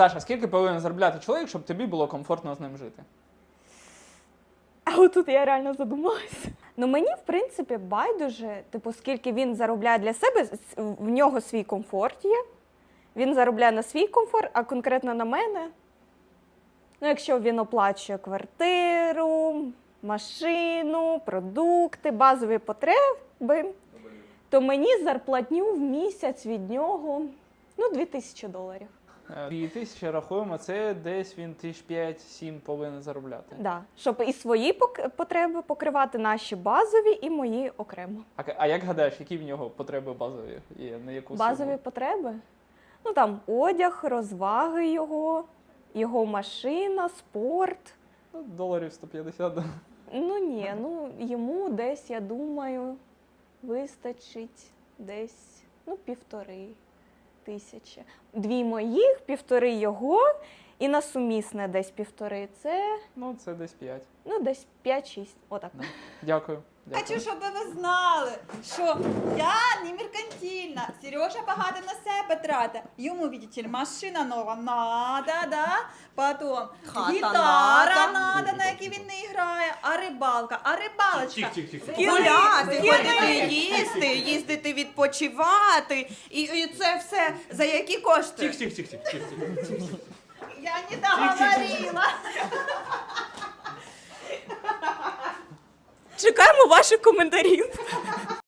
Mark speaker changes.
Speaker 1: Саша, скільки повинен заробляти чоловік, щоб тобі було комфортно з ним жити?
Speaker 2: А отут я реально задумалася. Ну мені, в принципі, байдуже, типу, скільки він заробляє для себе, в нього свій комфорт є. Він заробляє на свій комфорт, а конкретно на мене. Ну, якщо він оплачує квартиру, машину, продукти, базові потреби, то мені зарплатню в місяць від нього, ну, $2000.
Speaker 1: 2000 рахуємо, це десь він 5-7 повинен заробляти.
Speaker 2: Да. Щоб і свої потреби покривати, наші базові і мої окремо.
Speaker 1: А як гадаєш, які в нього потреби базові є? На яку
Speaker 2: Базові
Speaker 1: суму?
Speaker 2: потреби? Ну там одяг, розваги його машина, спорт.
Speaker 1: Ну, доларів 150. Да.
Speaker 2: Ну ні, ну йому десь, я думаю, вистачить десь, ну, 1500. 2 моїх, 1,5 його, і на сумісне десь 1,5. Це,
Speaker 1: Ну, це десь 5.
Speaker 2: ну, десь 5-6. Отак.
Speaker 1: Да. Дякую.
Speaker 3: Хочу, щоб ви знали, що я не меркантильна. Сережа багато на себе тратить. Йому, видите ли, машина нова надо, да? Потім
Speaker 4: Хата
Speaker 3: гітара
Speaker 4: надо.
Speaker 3: надо, на якій він не грає, а рибалочка.
Speaker 4: Гуляти, ходити їсти, їздити відпочивати. І це все за які кошти?
Speaker 5: Тих.
Speaker 3: Я не договорила.
Speaker 2: Чекаємо ваших коментарів.